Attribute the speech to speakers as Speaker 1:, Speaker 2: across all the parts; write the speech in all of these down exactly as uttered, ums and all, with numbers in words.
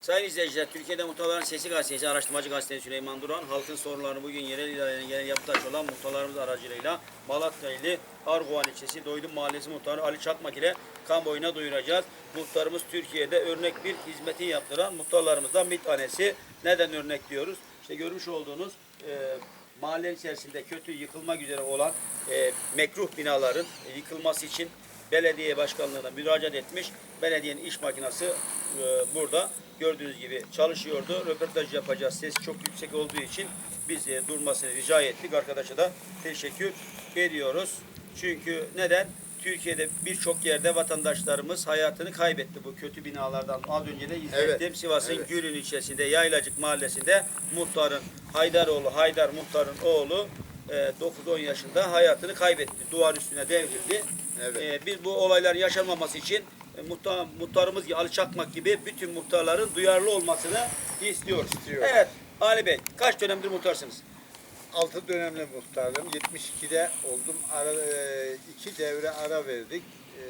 Speaker 1: Sayın izleyiciler, Türkiye'de Muhtarların Sesi Gazetesi, araştırmacı gazetesi Süleyman Duran, halkın sorunlarını bugün yerel idarenin genel yapıtaş olan muhtarlarımız aracılığıyla Malatya ili Arguvan ilçesi Doydum Mahallesi muhtarı Ali Çakmak ile kamuoyuna duyuracağız. Muhtarımız Türkiye'de örnek bir hizmeti yaptıran muhtarlarımızdan bir tanesi. Neden örnek diyoruz? İşte görmüş olduğunuz e, mahalle içerisinde kötü yıkılmak üzere olan e, mekruh binaların e, yıkılması için belediye başkanlığına müracaat etmiş. Belediyenin iş makinesi e, burada gördüğünüz gibi çalışıyordu. Röportaj yapacağız. Ses çok yüksek olduğu için biz e, durmasını rica ettik. Arkadaşa da teşekkür ediyoruz. Çünkü neden? Türkiye'de birçok yerde vatandaşlarımız hayatını kaybetti bu kötü binalardan. Az önce de izlettim. Evet, Sivas'ın evet. Gülün ilçesinde Yaylacık mahallesinde muhtarın Haydaroğlu, Haydar muhtarın oğlu dokuz on yaşında hayatını kaybetti. Duvar üstüne devrildi. Evet. Ee, biz bu olaylar yaşanmaması için e, muhtar, muhtarımız gibi Ali Çakmak gibi bütün muhtarların duyarlı olmasını istiyoruz. İstiyor. Evet Ali Bey, kaç dönemdir muhtarsınız?
Speaker 2: altı dönemli muhtarım. yetmiş ikide oldum. Ara, e, iki devre ara verdik. E,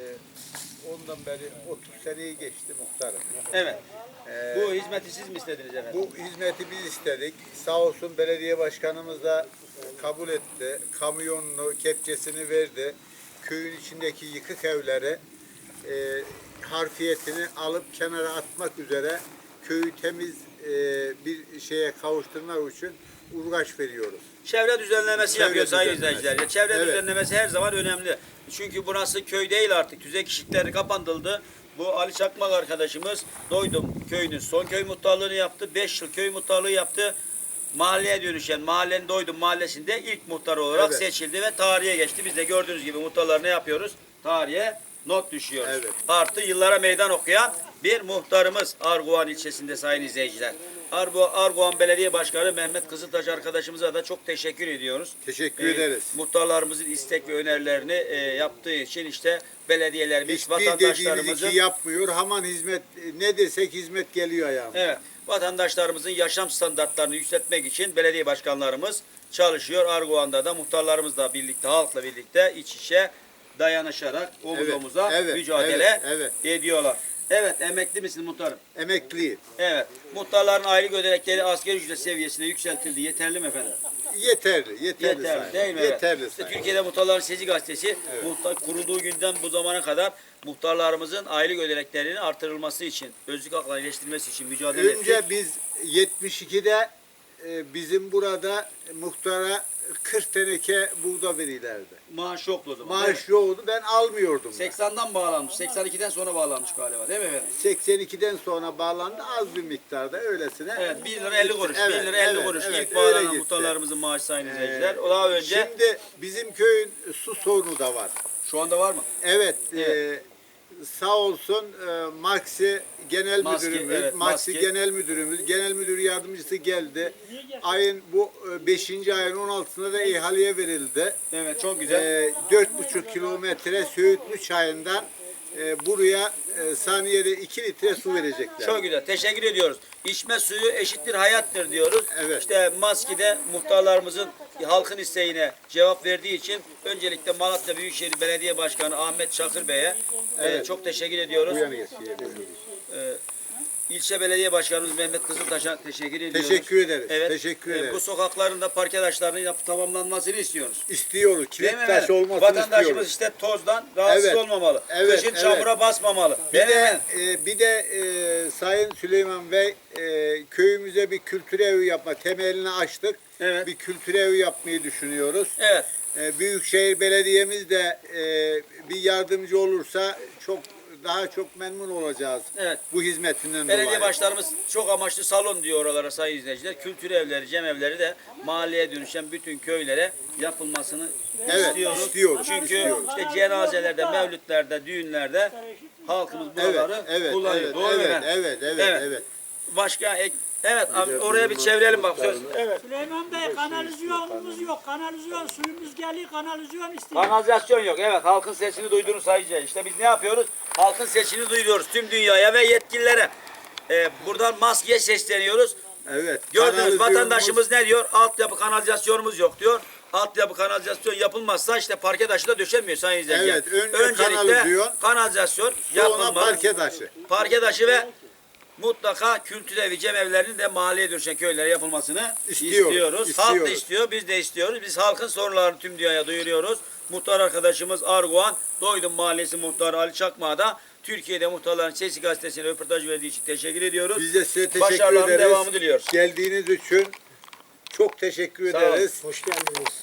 Speaker 2: ondan beri otuz seneyi geçti muhtarım.
Speaker 1: Evet.
Speaker 2: Ee,
Speaker 1: bu hizmeti siz mi istediniz efendim?
Speaker 2: Bu hizmeti biz istedik. Sağ olsun belediye başkanımız da kabul etti. Kamyonunu, kepçesini verdi. Köyün içindeki yıkık evleri e, harfiyetini alıp kenara atmak üzere köyü temiz e, bir şeye kavuşturmak için uğraş veriyoruz.
Speaker 1: Çevre düzenlemesi
Speaker 2: Çevre
Speaker 1: yapıyor sayın
Speaker 2: düzenlemesi.
Speaker 1: izleyiciler. Çevre
Speaker 2: Evet.
Speaker 1: düzenlemesi her zaman önemli. Çünkü burası köy değil artık. Tüzek işlikleri kapatıldı. Bu Ali Çakmak arkadaşımız Doydum köyünün son köy muhtarlığını yaptı. beş yıl köy muhtarlığı yaptı. Mahalleye dönüşen mahallenin Doydum mahallesinde ilk muhtar olarak evet. seçildi ve tarihe geçti. Biz de gördüğünüz gibi muhtarlar ne yapıyoruz? Tarihe not düşüyoruz. Evet. Artı yıllara meydan okuyan bir muhtarımız Arguvan ilçesinde sayın izleyiciler. Arguvan Belediye Başkanı Mehmet Kızıltaş arkadaşımıza da çok teşekkür ediyoruz.
Speaker 2: Teşekkür ee, ederiz.
Speaker 1: Muhtarlarımızın istek ve önerilerini e, yaptığı için işte belediyelerimiz,
Speaker 2: hiçbir
Speaker 1: vatandaşlarımızın
Speaker 2: iki yapmıyor. Hemen hizmet ne desek hizmet geliyor ayağımıza.
Speaker 1: Evet. Vatandaşlarımızın yaşam standartlarını yükseltmek için belediye başkanlarımız çalışıyor. Arguvan'da da muhtarlarımızla birlikte, halkla birlikte iç içe dayanışarak omuz evet, omuza evet, mücadele evet, evet. ediyorlar. Evet, emekli misiniz muhtarım?
Speaker 2: Emekliyim.
Speaker 1: Evet. Muhtarların aylık ödenekleri asgari ücret seviyesine yükseltildi. Yeterli mi efendim?
Speaker 2: Yeterli, yeterli.
Speaker 1: Yeterli değil mi?
Speaker 2: Yeterli.
Speaker 1: İşte Türkiye'de Muhtarların Sesi Gazetesi evet. muhtar, kurulduğu günden bu zamana kadar muhtarlarımızın aylık ödeneklerinin artırılması için, özlük haklarını iyileştirilmesi için mücadele ettik.
Speaker 2: Önce biz yetmiş ikide e, bizim burada muhtara kırk teneke buğda verirlerdi.
Speaker 1: Maaş yoktu o zaman.
Speaker 2: Maaş yoktu. Ben almıyordum.
Speaker 1: seksen'den bağlanmış. seksen ikiden sonra bağlanmış galiba değil mi efendim?
Speaker 2: seksen ikiden sonra bağlandı. Az bir miktarda öylesine.
Speaker 1: Evet. bir lira elli kuruş.
Speaker 2: Evet,
Speaker 1: bir lira elli
Speaker 2: evet,
Speaker 1: kuruş.
Speaker 2: Evet,
Speaker 1: İlk bağlanan muhtarlarımızın maaşı sayın ee, izleyiciler. O daha önce.
Speaker 2: Şimdi bizim köyün su sorunu da var.
Speaker 1: Şu anda var mı?
Speaker 2: Evet. evet. E, sağ olsun e, Maxi Genel Maske, Müdürümüz, evet, Maxi Genel Müdürümüz, Genel Müdür Yardımcısı geldi. Ayın bu beşinci ayın on altısında da ihaleye verildi.
Speaker 1: Evet, çok güzel.
Speaker 2: dört buçuk kilometre Söğütlü Çayı'ndan e, buraya e, saniyede iki litre su verecekler.
Speaker 1: Çok güzel. Teşekkür ediyoruz. İçme suyu eşittir hayattır diyoruz.
Speaker 2: Evet.
Speaker 1: İşte Maski'de muhtarlarımızın halkın isteğine cevap verdiği için öncelikle Malatya Büyükşehir Belediye Başkanı Ahmet Çakır Bey'e evet. e, çok teşekkür ediyoruz. E, İlçe Belediye Başkanımız Mehmet Kızıltaş'a teşekkür ediyoruz.
Speaker 2: Teşekkür ederiz.
Speaker 1: Evet.
Speaker 2: Teşekkür ederiz.
Speaker 1: E, bu sokakların da parke taşlarının yapıp tamamlanmasını istiyoruz.
Speaker 2: İstiyoruz. Kilit taş olmasını
Speaker 1: Vatandaşımız
Speaker 2: istiyoruz.
Speaker 1: işte tozdan rahatsız
Speaker 2: evet.
Speaker 1: olmamalı.
Speaker 2: Evet.
Speaker 1: Kışın
Speaker 2: evet.
Speaker 1: çamura basmamalı.
Speaker 2: Bir de, e, bir de e, Sayın Süleyman Bey e, köyümüze bir kültür evi yapma temelini açtık. Evet. Bir kültür evi yapmayı düşünüyoruz. Evet. E, Büyükşehir Belediye'miz de e, bir yardımcı olursa çok daha çok memnun olacağız. Evet. Bu hizmetinden
Speaker 1: Belediye
Speaker 2: dolayı.
Speaker 1: başlarımız çok amaçlı salon diyor oralara sayın izleyiciler. Kültür evleri, cem evleri de mahalleye dönüşen bütün köylere yapılmasını
Speaker 2: evet,
Speaker 1: istiyoruz.
Speaker 2: istiyoruz.
Speaker 1: Çünkü
Speaker 2: istiyoruz.
Speaker 1: işte cenazelerde, mevlütlerde, düğünlerde halkımız buraları
Speaker 2: evet, evet,
Speaker 1: kullanıyor.
Speaker 2: Evet,
Speaker 1: Doğru
Speaker 2: evet,
Speaker 1: mu
Speaker 2: evet, evet, evet, evet.
Speaker 1: Başka ek Evet abi, oraya bir çevirelim bak söz.
Speaker 3: Evet. Süleyman Bey kanalizasyonumuz yok. Kanalizasyon suyumuz geliyor, kanalizasyon istiyor.
Speaker 1: Kanalizasyon yok. Evet, halkın sesini duyduğunu sayacağız. İşte biz ne yapıyoruz? Halkın sesini duyuyoruz tüm dünyaya ve yetkililere. Ee, buradan maskeye sesleniyoruz.
Speaker 2: Evet.
Speaker 1: Gördünüz vatandaşımız ne diyor? Altyapı kanalizasyonumuz yok diyor. Altyapı kanalizasyon yapılmazsa işte parke taşı da döşenmiyor sayın izleyiciler.
Speaker 2: Evet, önce
Speaker 1: öncelikle
Speaker 2: kanalizasyon,
Speaker 1: kanalizasyon
Speaker 2: sonra
Speaker 1: yapılmalı.
Speaker 2: parke taşı.
Speaker 1: Parke taşı ve mutlaka kültür evi, cemevlerinin de mahalleye dönüşen köylere yapılmasını
Speaker 2: İstiyoruz,
Speaker 1: istiyoruz.
Speaker 2: istiyoruz.
Speaker 1: Halk da istiyor, biz de istiyoruz. Biz halkın sorunlarını tüm dünyaya duyuruyoruz. Muhtar arkadaşımız Arguvan, Doydum Mahallesi Muhtarı Ali Çakmak'a da Türkiye'de Muhtarların Sesi gazetesine röportaj verdiği için teşekkür ediyoruz.
Speaker 2: Biz de size teşekkür
Speaker 1: Başarıların
Speaker 2: ederiz.
Speaker 1: devamı diliyoruz.
Speaker 2: Geldiğiniz için çok teşekkür
Speaker 1: Sağ olun.
Speaker 2: ederiz.
Speaker 4: Hoş geldiniz.